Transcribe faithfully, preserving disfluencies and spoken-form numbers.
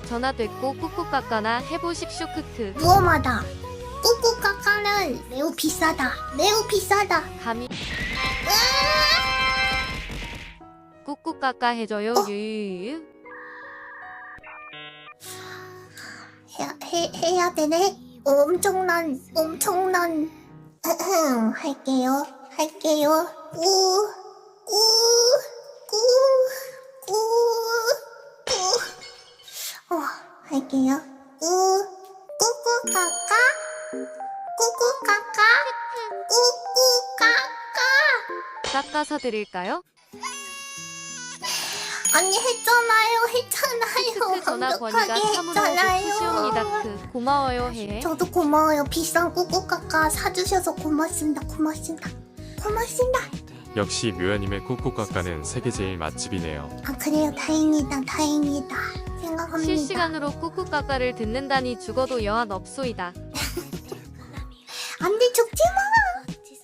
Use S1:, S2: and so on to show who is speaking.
S1: 전화됐고 꾹꾹까까나 해보십쇼 크크.
S2: 무엄하다. 꾸꾸까까는 매우 비싸다. 매우 비싸다.
S1: 감히 꾹꾹까까 해줘요.
S2: 어?
S1: 유유유.
S2: 해야, 해, 해야 되네. 엄청난 엄청난 할게요. 할게요. 꾸, 꾸, 꾸, 꾸, 꾸. 어, 할게요. 꾸, 꾸꾸까까, 꾸꾸까까, 꾸꾸까까.
S1: 깎아서 드릴까요?
S2: 아니 했잖아요, 했잖아요.
S1: 크크 전화 권위가
S2: 완벽하게
S1: 참으로
S2: 했잖아요.
S1: 좋으시옵니다. 크 고마워요 해.
S2: 저도 고마워요. 비싼 꾸꾸까까 사주셔서 고맙습니다. 고맙습니다. 고맙습니다.
S3: 역시 묘야님의 꾹꾹까까는 세계 제일 맛집이네요.
S2: 아 그래요. 다행이다. 다행이다. 생각합니다.
S1: 실시간으로 꾹꾹까까를 듣는다니 죽어도 여한 없소이다.
S2: 안돼 죽지마.